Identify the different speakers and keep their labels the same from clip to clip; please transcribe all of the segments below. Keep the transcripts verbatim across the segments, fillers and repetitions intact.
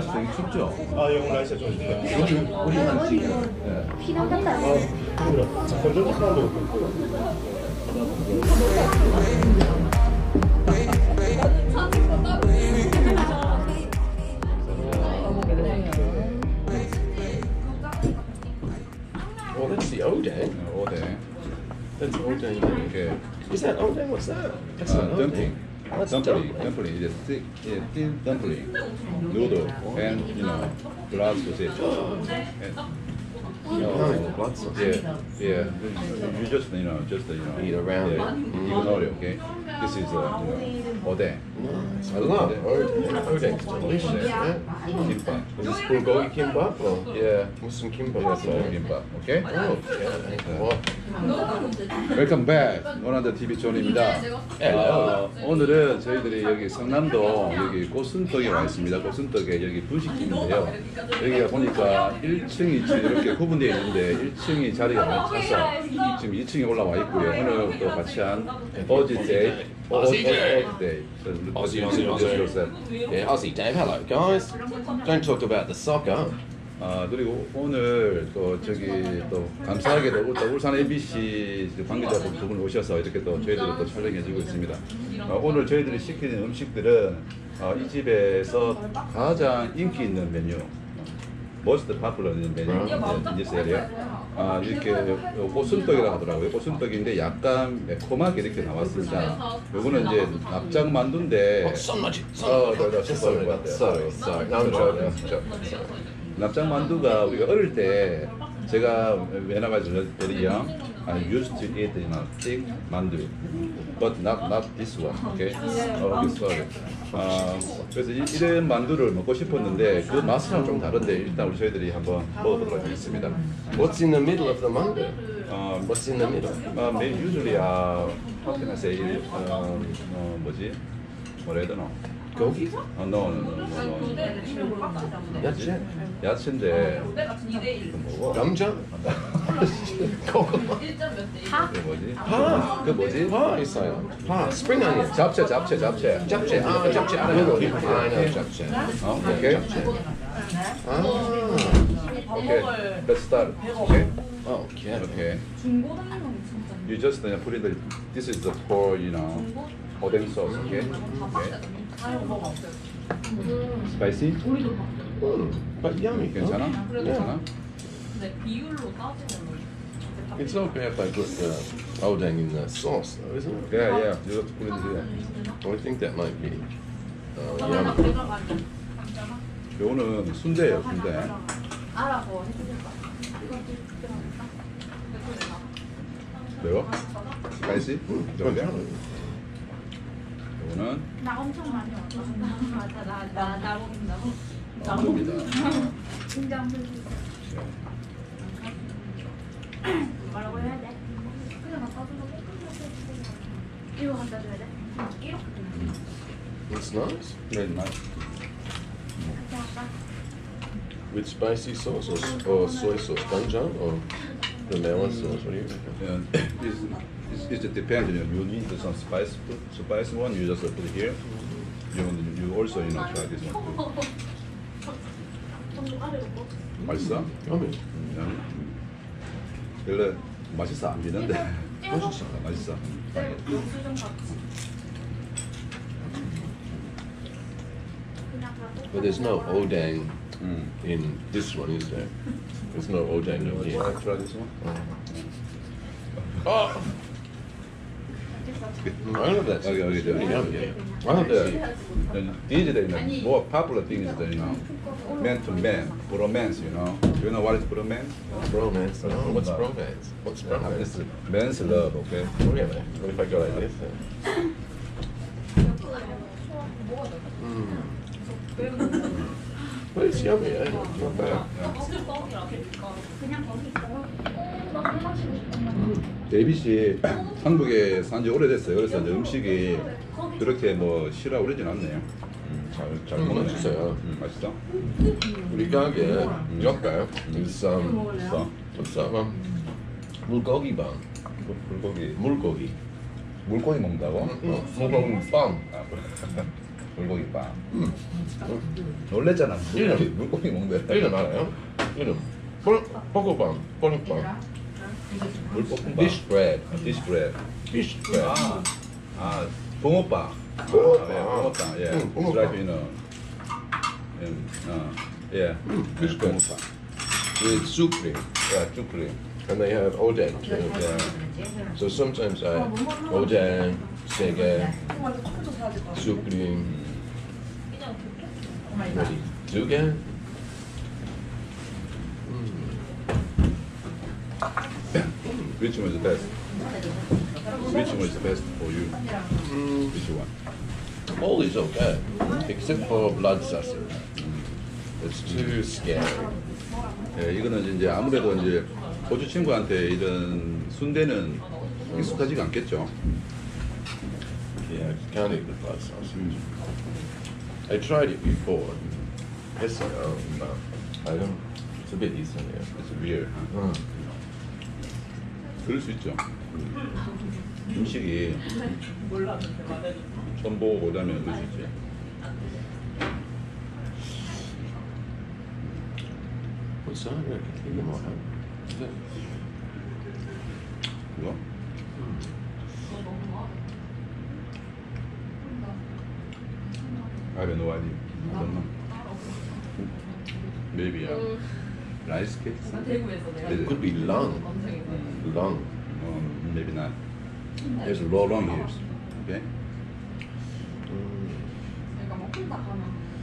Speaker 1: 날씨 되게 춥죠?
Speaker 2: 아, 영국 날씨가 좀 좋아요.
Speaker 1: 우리, 우리 한 지금. 네.
Speaker 3: 피난 간다.
Speaker 2: 아, 그래. 자, 건조 사람도 없고.
Speaker 4: Oh, that's the Odang.
Speaker 1: 어데.
Speaker 4: That's Odang.
Speaker 1: 이렇게
Speaker 4: Is that Odang? What's that? That's
Speaker 1: 아,
Speaker 4: not
Speaker 1: 덤플링.
Speaker 4: Odang. That's
Speaker 1: 덤플링.
Speaker 4: dumpling.
Speaker 1: 덤플링. 이제 thick, yeah, thin dumpling. Noodle and you know blood sausage. And,
Speaker 4: Oh, blood sausage.
Speaker 1: yeah, yeah. You just you know just you know
Speaker 4: Eat around
Speaker 1: yeah,
Speaker 4: it.
Speaker 1: ignore it. Okay. This is uh, you know 어데.
Speaker 4: Nice. I love Odang. Odang's delicious. Yeah.
Speaker 1: 김밥.
Speaker 4: Is this bulgogi kimbap or
Speaker 1: Yeah.
Speaker 4: what's some kimbap?
Speaker 1: Yes, uh, 김밥. Okay.
Speaker 4: Oh, yeah. What?
Speaker 1: 웰컴 백 원한더 티비 존입니다. 어, 오늘은 저희들이 여기 성남동 여기 고순떡에 와 있습니다. 고순떡에 여기 분식집인데요. 여기가 보니까 일 층, 이 층 이렇게 구분되어 있는데 일 층이 자리가 많이 차서 지금 이 층에 올라와 있고요. 오늘 또 같이 한 어지데이 어지데이
Speaker 4: Aussie, Aussie, Aussie. Yeah, Aussie Dave. Hello, guys. Don't talk about the soccer.
Speaker 1: 아 그리고 오늘 또 저기 또 감사하게도 또 울산 에이비씨 관계자분 두 분 오셔서 이렇게 또 저희들을 또 촬영해주고 있습니다. 어, 오늘 저희들이 시키는 음식들은 어, 이 집에서 가장 인기 있는 메뉴, most popular 메뉴 in this area. 아 이렇게 고순떡이라고 하더라고요. 고순떡인데 약간 매콤하게 이렇게 나왔습니다. 요거는 이제 납작 만두인데.
Speaker 4: So much.
Speaker 1: 어, 저, 저, 저,
Speaker 4: Sorry,
Speaker 1: 저, 저,
Speaker 4: sorry, sorry. No, I'm joking. I'm joking. Sorry.
Speaker 1: 납작 만두가 우리가 어릴 때 제가 when I was very young, I used to eat you know thick 만두, but not not this one, okay? 어, this one. 아 그래서 이, 이런 만두를 먹고 싶었는데 그 맛이랑 좀 다른데 일단 우리 저희들이 한번 먹어보도록 하겠습니다.
Speaker 4: What's in the middle of the mango?
Speaker 1: 어,
Speaker 4: What's in the middle?
Speaker 1: 어, maybe usually uh, how can I say? 어, 어 뭐지? 뭐라 해야 되나?
Speaker 4: Gogi?
Speaker 1: 어, no, no, no, no, no.
Speaker 4: That's it.
Speaker 1: 야채인데 그 뭐고?
Speaker 4: Gamja?
Speaker 1: 그 뭐지?
Speaker 4: Pa.
Speaker 1: 그 뭐지?
Speaker 4: Pa, you say. Pa. Spring onion.
Speaker 1: 잡채, 잡채, 잡채.
Speaker 4: Japchae. Ah, japchae. I know. I know japchae.
Speaker 1: 어, 오케이.
Speaker 4: Ah.
Speaker 1: 오케이. Let's start. 오케이.
Speaker 4: Oh, yeah.
Speaker 1: 오케이. You just uh, put in the. This is the for you know, oden sauce. Okay. Okay. Spicy?
Speaker 4: Mm, but yummy.
Speaker 1: 괜찮아? 괜찮아?
Speaker 4: It's not bad if they put uh, Odang in the sauce, though, isn't it?
Speaker 1: Yeah, yeah. You have to put it here.
Speaker 4: I think that might be uh, yummy.
Speaker 1: 요거는 순대예요, 순대.
Speaker 3: 알아서 해주실까?
Speaker 1: 매워? Spicy? 정도야? 요거는
Speaker 3: 나 엄청 많이 왔어. 맞아, 나, 나, 나 먹는다고?
Speaker 1: 만두입니다.
Speaker 3: 진짜 안 먹는다. 뭐라고 해야 돼? 그냥 나 따뜻하게 이거 갖다 줘야 돼? 이렇게
Speaker 4: It's nice.
Speaker 1: Very nice.
Speaker 3: 같이 할까?
Speaker 4: With spicy sauce or, or soy sauce? Doenjang or the melon sauce? What do you reckon?
Speaker 1: Yeah, it's, it's, it depends. You, know, you need some spice, spice one. You just put it here. You, you also you know try this one too. 맛있어?
Speaker 4: Yummy.
Speaker 1: 음. 원래 맛있어 안 비는데.
Speaker 4: 맛있어.
Speaker 1: 맛있어.
Speaker 4: But there's no Odang
Speaker 1: 음.
Speaker 4: in this one, is there? There's no Odang in here.
Speaker 1: Try, try this one.
Speaker 4: Oh! I love that.
Speaker 1: Okay, okay,
Speaker 4: It's really
Speaker 1: okay.
Speaker 4: yummy. I love that.
Speaker 1: The, these days, the more popular thing is the you know, man to man, bromance. You know, do you know what is bromance?
Speaker 4: Bromance. Oh, what's
Speaker 1: No.
Speaker 4: bromance? What's
Speaker 1: It's
Speaker 4: bromance?
Speaker 1: man's love. Okay.
Speaker 4: Really? What if I go like this then? Mm. But it's yummy, eh? Not bad.
Speaker 3: 그냥 거기 있어요.
Speaker 1: 데이빗이 한국에 산 지 오래됐어요. 그래서 이제 음식이 그렇게 뭐 싫어하고 그러진 않네요. 음, 잘, 잘
Speaker 4: 음,
Speaker 1: 먹네.
Speaker 4: 맛있어요.
Speaker 1: 음, 맛있어?
Speaker 4: 우리 가게 옆에 is um,
Speaker 1: 맛있어?
Speaker 4: what's that one? 물고기 방.
Speaker 1: 물- 물고기.
Speaker 4: 물고기.
Speaker 1: 물고기 먹는다고?
Speaker 4: 어, 물고기 빵.
Speaker 1: 아, 불고기빵. 놀랬잖아.
Speaker 4: 이름.
Speaker 1: 물고기 먹는데.
Speaker 4: 이름 알아요? 이름. 뽀, 뽀고빵, 뽀링빵.
Speaker 1: 물볶음밥.
Speaker 4: Fish bread.
Speaker 1: 디시 브레드.
Speaker 4: Fish bread.
Speaker 1: 아, 아, 붕어빵.
Speaker 4: 붕어빵.
Speaker 1: 예, 붕어빵. 예.
Speaker 4: 응, 붕어빵.
Speaker 1: It's like, you know, um, 어, 예.
Speaker 4: fish bread.
Speaker 1: 붕어빵.
Speaker 4: With soup cream.
Speaker 1: 예, 쭈크림.
Speaker 4: And they have odeng too.
Speaker 1: 예.
Speaker 4: So sometimes I odeng, sege, soup cream, maybe zuge.
Speaker 1: Which one is the best? Which one is the best for you?
Speaker 4: Mm,
Speaker 1: Which one?
Speaker 4: all is okay, except for blood sausage. It's too scary.
Speaker 1: 예, 이거는 이제 아무래도 이제 호주 친구한테 이런 순대는 익숙하지가 않겠죠.
Speaker 4: Yeah, I can't eat the blood sausage. I tried it before. It's uh, no, I don't. It's a bit easy.
Speaker 1: It's weird. huh?
Speaker 4: Mm.
Speaker 1: 그럴 수 있죠. 음식이 처음 보고 오자면 그럴 수 있지.
Speaker 4: What's that? Yeah, you might have. Is it?
Speaker 1: 그거? I have no idea. I don't know. Maybe uh, rice cake?
Speaker 4: It could be lung. Lung.
Speaker 1: Um, maybe not. There's a lot long ears. Okay?
Speaker 3: 그러니까 뭐 혼자 가면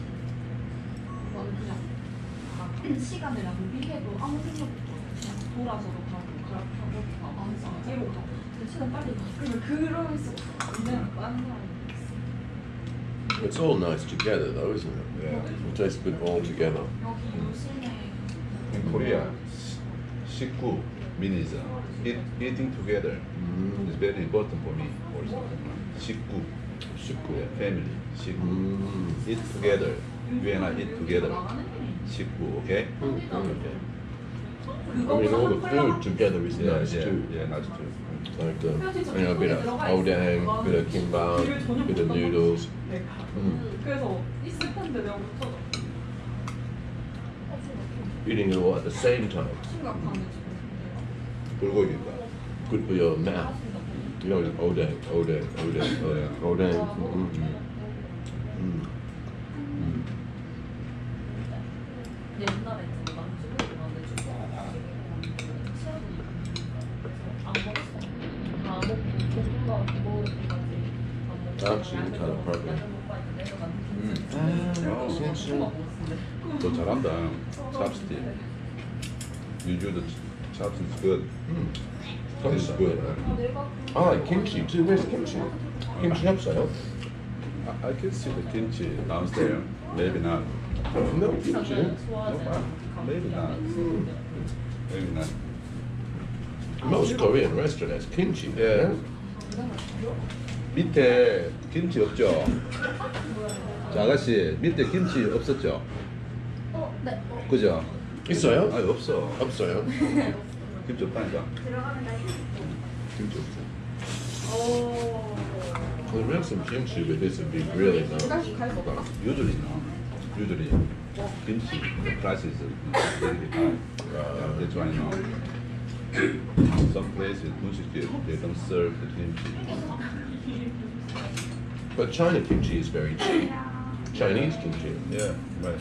Speaker 3: 나는 그냥 시간을 낭비해도 아무 생각도 없이 그냥 돌아서도 가고 가고 가고 항상 뒤로 가고 근데 시간 빨리 가 그러면 그럴 수가 없어 그냥 다른 사람이
Speaker 4: It's all nice together, though, isn't it?
Speaker 1: Yeah.
Speaker 4: It tastes good all together.
Speaker 3: 여기 요즘에
Speaker 1: In Korea, 식구 means uh, eat, eating together.
Speaker 4: Mm.
Speaker 1: It's very important for me also. 식구,
Speaker 4: 식구.
Speaker 1: yeah, family, 식구.
Speaker 4: Mm.
Speaker 1: Eat together. You and I eat together. 식구, okay?
Speaker 4: Mm.
Speaker 1: Okay.
Speaker 4: I mean, all the food together is
Speaker 1: Yeah,
Speaker 4: nice
Speaker 1: yeah,
Speaker 4: too.
Speaker 1: yeah, nice too.
Speaker 4: Like, uh, you know, a bit of odang, bit of kimbap, bit of noodles. Mm.
Speaker 5: 그래서 있을 텐데 내가 못하다.
Speaker 4: Eating it all at the same time.
Speaker 5: 심각하네 지금.
Speaker 1: 불고기가.
Speaker 4: Good for your mouth. You know, odang, odang, odang, odang, odang. Mm. Mm.
Speaker 5: 옛날에 제가 남주를 만데 주고 안 먹었어. 다 먹고 볶음밥 먹을 때까지 안 먹고.
Speaker 4: Actually, kind of program.
Speaker 1: 음.
Speaker 4: Ah,
Speaker 1: Oh,
Speaker 4: yes, yeah.
Speaker 1: 너 잘한다. Chopstick. You do the ch- chopstick is good.
Speaker 4: Mm.
Speaker 1: It's good.
Speaker 4: I like kimchi too. Where's kimchi? Kimchi upside.
Speaker 1: I, I can see the kimchi downstairs. Maybe not.
Speaker 4: No kimchi.
Speaker 1: No, maybe not. Maybe not.
Speaker 4: Most Korean restaurant has kimchi.
Speaker 1: 예. 밑에 김치 없죠? 자, 아가씨, 밑에 김치 없었죠?
Speaker 3: 어? 네
Speaker 1: 그죠?
Speaker 4: 있어요?
Speaker 1: 아니, 없어.
Speaker 4: 없어요.
Speaker 1: 김치 없다니까.
Speaker 3: 들어가면 나
Speaker 1: 김치 없어.
Speaker 5: 오.
Speaker 4: Well, we have some kimchi, but this would be really nice.
Speaker 1: Usually, no. Usually, kimchi, the price is very high. Uh, that's why, no. Some places, 분식집, they don't serve the kimchi.
Speaker 4: But China kimchi is very cheap. Chinese kimchi.
Speaker 1: Yeah, right.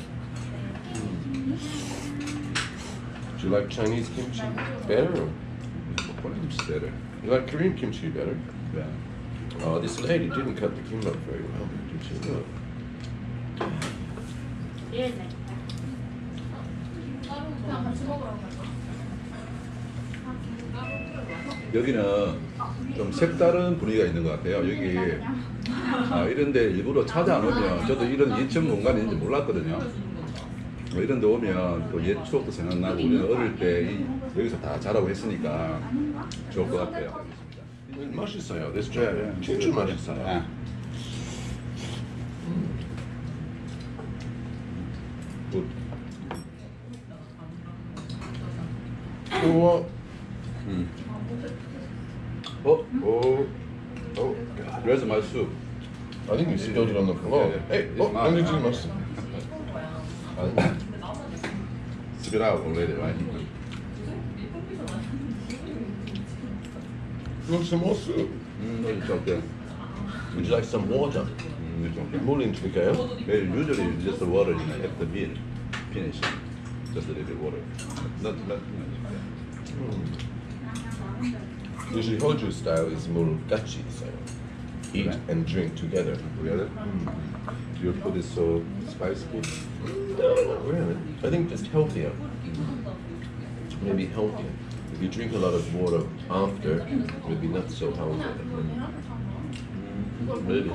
Speaker 4: Do you like Chinese kimchi better? Or
Speaker 1: Korean kimchi better.
Speaker 4: you like Korean kimchi better?
Speaker 1: Yeah.
Speaker 4: Oh, this lady didn't cut the kimbap very well, did she? Look.
Speaker 3: 얘네 그냥 같이 먹으러 가자
Speaker 1: 여기는 좀 색다른 분위기가 있는 것 같아요. 여기 아, 이런데 일부러 찾아오면 저도 이런 이 층 공간이 있는지 몰랐거든요. 뭐 이런 데 오면 또 옛 추억도 생각나고 우리는 어릴 때 이, 여기서 다 자라고 했으니까 좋을 것 같아요.
Speaker 4: 맛있어요. This
Speaker 1: 네,
Speaker 4: job.
Speaker 1: 네.
Speaker 4: 진짜 맛있어요.
Speaker 1: 아. 굿.
Speaker 4: 우와.
Speaker 1: 음. 어?
Speaker 4: Oh. Oh.
Speaker 1: Where's my soup?
Speaker 4: I think you spilled it on the floor.
Speaker 1: Yeah,
Speaker 4: Hey,
Speaker 1: it's
Speaker 4: oh,
Speaker 1: mine.
Speaker 4: only too much.
Speaker 1: Spit out already, right?
Speaker 4: Want some more soup?
Speaker 1: Mm, it's okay.
Speaker 4: Would you like some water?
Speaker 1: Mm, it's okay.
Speaker 4: More into the gale.
Speaker 1: Well, usually just the water, you know, at the meal, finish, just a little bit water. Not, not,
Speaker 4: Usually Hoju style is more gachi style. Eat
Speaker 1: Right.
Speaker 4: and drink together.
Speaker 1: together. Your food is so spicy.
Speaker 4: No, really. I think just healthier. Maybe healthier. If you drink a lot of water after, it would be not so healthy.
Speaker 1: Maybe.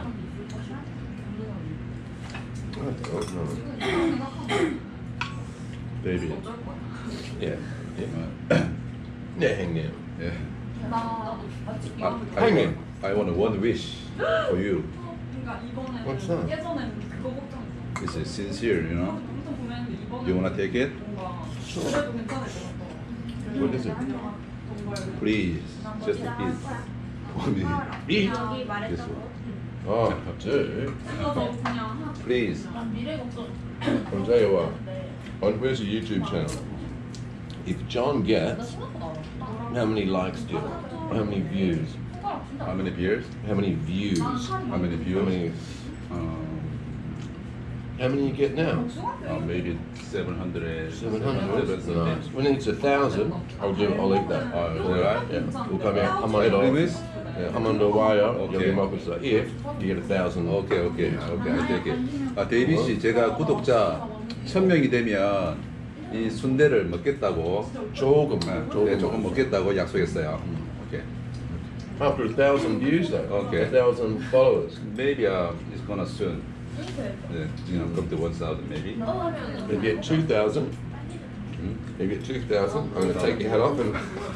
Speaker 4: I don't know.
Speaker 1: Baby.
Speaker 4: Yeah. Yeah.
Speaker 1: Uh,
Speaker 4: Yeah, hang there.
Speaker 1: yeah.
Speaker 3: 나
Speaker 1: I, I,
Speaker 4: Hanging.
Speaker 1: want, I want one wish for you.
Speaker 3: 그러니까 이번에
Speaker 4: What's that?
Speaker 3: 예전엔 그거 걱정했어.
Speaker 1: This is sincere, you know.
Speaker 3: 엄청 보냈는데 이번에
Speaker 1: You wanna take it?
Speaker 3: 뭔가 그래도 괜찮을 것 같아.
Speaker 1: What is it?
Speaker 3: 정말
Speaker 1: Please, just eat. Only eat. This one.
Speaker 4: Oh, dude.
Speaker 3: 그래서 그냥 한
Speaker 1: Please.
Speaker 5: 미래 걱정.
Speaker 4: I'll tell you what. On where's the YouTube channel? If John gets, how many likes do you have? How many views?
Speaker 1: How many beers?
Speaker 4: How many views?
Speaker 1: How many
Speaker 4: How
Speaker 1: views?
Speaker 4: many?
Speaker 1: Um,
Speaker 4: How many you get now?
Speaker 1: uh, maybe seven hundred.
Speaker 4: Seven hundred.
Speaker 1: Seven
Speaker 4: Nice. When it's a thousand, I'll do. I'll eat that.
Speaker 1: Oh, is that right?
Speaker 4: Yeah. We'll come out. I'm
Speaker 1: Hey,
Speaker 4: on
Speaker 1: promise?
Speaker 4: Yeah, I'm on the wire.
Speaker 1: Okay.
Speaker 4: You'll be my officer. If you get a thousand.
Speaker 1: 오케이 오케이 오케이 I take it. 아 데이비 씨 제가 구독자 천 명이 되면 이 순대를 먹겠다고
Speaker 4: 조금.
Speaker 1: 네,
Speaker 4: 조금.
Speaker 1: 네, 조금 먹겠다고 약속했어요. 오케이.
Speaker 4: After a thousand views, though.
Speaker 1: Okay.
Speaker 4: A thousand followers.
Speaker 1: Maybe uh, it's gonna soon. Yeah, you know, come to one thousand maybe.
Speaker 4: If you get two thousand. If you get two thousand, I'm going to take your head off and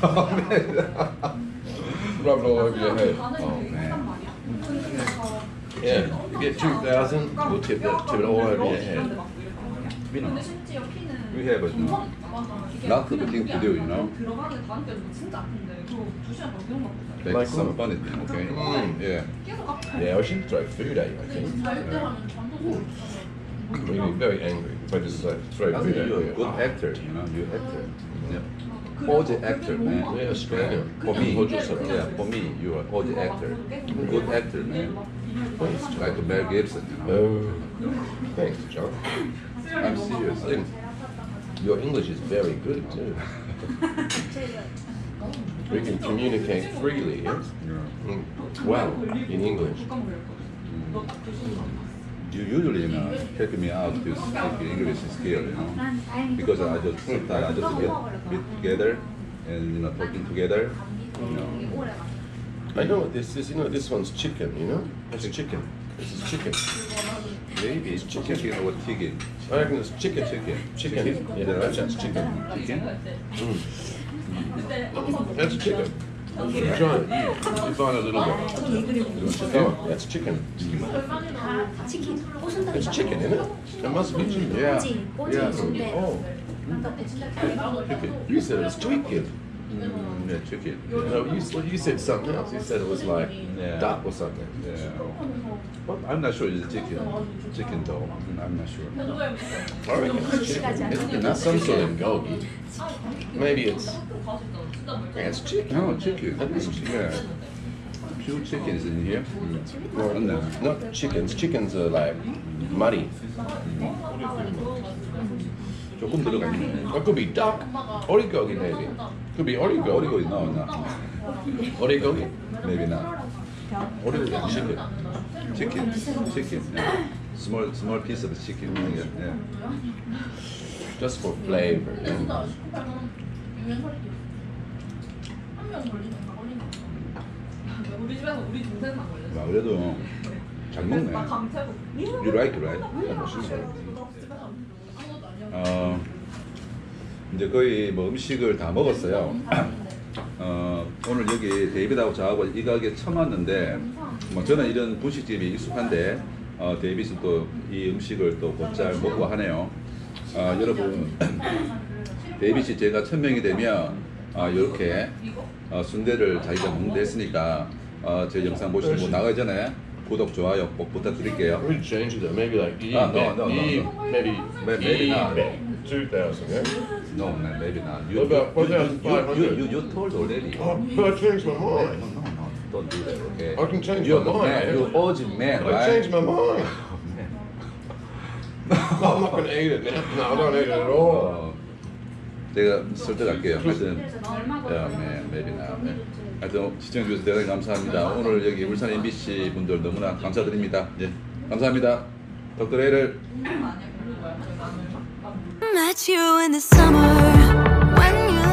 Speaker 4: rub it all over your head.
Speaker 1: Oh man.
Speaker 4: Yeah. If you get two thousand, we'll tip it, tip it all over your head.
Speaker 1: We know.
Speaker 3: 근데 심지어 키는
Speaker 1: We have a
Speaker 3: 맞아. 이게
Speaker 1: lot of things to do, you know.
Speaker 3: 들어가는 다음 때도 진짜 아픈데 그거 두 시간 동안 기억 막
Speaker 1: Like
Speaker 4: Like
Speaker 1: some
Speaker 4: what?
Speaker 1: funny thing, okay?
Speaker 4: Mm.
Speaker 1: Yeah.
Speaker 3: 계속 아파.
Speaker 4: Yeah, I should throw food at you, I think.
Speaker 5: 잘때 하면 잠도 못
Speaker 4: You'll be very angry if I just like, throw
Speaker 1: I
Speaker 4: food
Speaker 1: think
Speaker 4: at
Speaker 1: you're a
Speaker 4: you.
Speaker 1: good actor, you know. You're actor. Yeah.
Speaker 3: 그래서
Speaker 1: All the
Speaker 3: 그게
Speaker 1: actor,
Speaker 3: 너무
Speaker 1: man.
Speaker 4: Yeah, Australian.
Speaker 1: For me,
Speaker 4: Hojo-san.
Speaker 1: yeah, for me, you are all the actor. Good actor, man. Like Mel Gibson, you know.
Speaker 4: Oh, thanks, John.
Speaker 1: I'm serious.
Speaker 4: I think your English is very good too. We can communicate freely, yes?
Speaker 1: Yeah.
Speaker 4: Mm, well, in English.
Speaker 1: You usually, you know, help me out to speak English skill, you know, because I just sometimes I just get get together and you know talking together, you know.
Speaker 4: I know what this is. You know, this one's chicken. You know, it's chicken. This is chicken.
Speaker 1: Maybe it's chicken or chicken.
Speaker 4: I reckon it's chicken.
Speaker 1: Chicken.
Speaker 4: Chicken. Yeah, that's, that's chicken.
Speaker 1: Chicken.
Speaker 4: Mm. That's chicken. You try it. You find a little bit. Oh, that's chicken.
Speaker 6: 치킨 꼬순다
Speaker 4: It's chicken, isn't it? It must be chicken.
Speaker 1: Yeah.
Speaker 6: 꼬지 꼬지
Speaker 1: Yeah.
Speaker 6: 순대
Speaker 4: Oh, chicken. You said it was chicken.
Speaker 1: Mm, yeah, chicken.
Speaker 4: No, you, well, you said something else. You said it was like
Speaker 1: Yeah.
Speaker 4: duck or something.
Speaker 1: Yeah. But I'm not sure it's chicken. Chicken though. I'm not sure.
Speaker 4: I reckon it's chicken. It's not some sort of gogi. Maybe it's. Yeah, it's chicken.
Speaker 1: No, chicken. Yeah. Pure chicken is in here.
Speaker 4: No,
Speaker 1: No.
Speaker 4: not chickens. Chickens are like muddy.
Speaker 1: 조금 들어가 있네.
Speaker 4: It could be duck. Origogi maybe. Could be origogi.
Speaker 1: 오리고 no, no.
Speaker 4: Origogi.
Speaker 1: Maybe not.
Speaker 4: Origogi is chicken.
Speaker 1: Chicken. Chicken. Yeah. Small, small piece of chicken. Yeah. yeah.
Speaker 4: Just for flavor. Yeah.
Speaker 3: 우리 집에서 우리 동생만 걸렸어.
Speaker 1: 와, 그래도 잘 먹네.
Speaker 3: 나 강태고.
Speaker 1: You like it, right? 어, 이제 거의 뭐 음식을 다 먹었어요. 어, 오늘 여기 데이비드하고 저하고 이 가게 처음 왔는데, 뭐 저는 이런 분식집이 익숙한데, 어, 데이비드 또 이 음식을 또 곧잘 먹고 하네요. 어, 여러분, 데이비드 제가 천 명이 되면 어, 이렇게 어, 순대를 자기가 먹는다 했으니까 어, 제 영상 보시고 나가기 전에 구독, 좋아요 꼭 부탁드릴게요.
Speaker 4: We change it though. Maybe like E,
Speaker 1: Ah, no, no, no,
Speaker 4: E
Speaker 1: no.
Speaker 4: maybe
Speaker 1: Maybe- maybe
Speaker 4: E
Speaker 1: not.
Speaker 4: two thousand. Yeah.
Speaker 1: No, man, maybe not. You,
Speaker 4: What about
Speaker 1: you, you,
Speaker 4: one thousand five
Speaker 1: you, you,
Speaker 4: hundred?
Speaker 1: you, you told already.
Speaker 4: Oh, but I changed my
Speaker 1: No,
Speaker 4: mind.
Speaker 1: no, no, don't do that, okay?
Speaker 4: I can change
Speaker 1: You're
Speaker 4: my
Speaker 1: the
Speaker 4: mind.
Speaker 1: man, you're urgent man,
Speaker 4: I
Speaker 1: right?
Speaker 4: changed my mind. No, I'm not gonna eat it now. No, I don't eat it at all.
Speaker 1: 어, 제가 설득할게요. 하여튼,
Speaker 3: 얼마
Speaker 1: 야, man, maybe not. 네. 하여튼 시청해주셔서 대단히 감사합니다. 오늘 여기 울산 엠비씨 분들 너무나 감사드립니다. 예, 감사합니다. 덕터 A를
Speaker 5: 아니야 별로 뭐야. 저희 나는 막
Speaker 6: Met you in the summer when you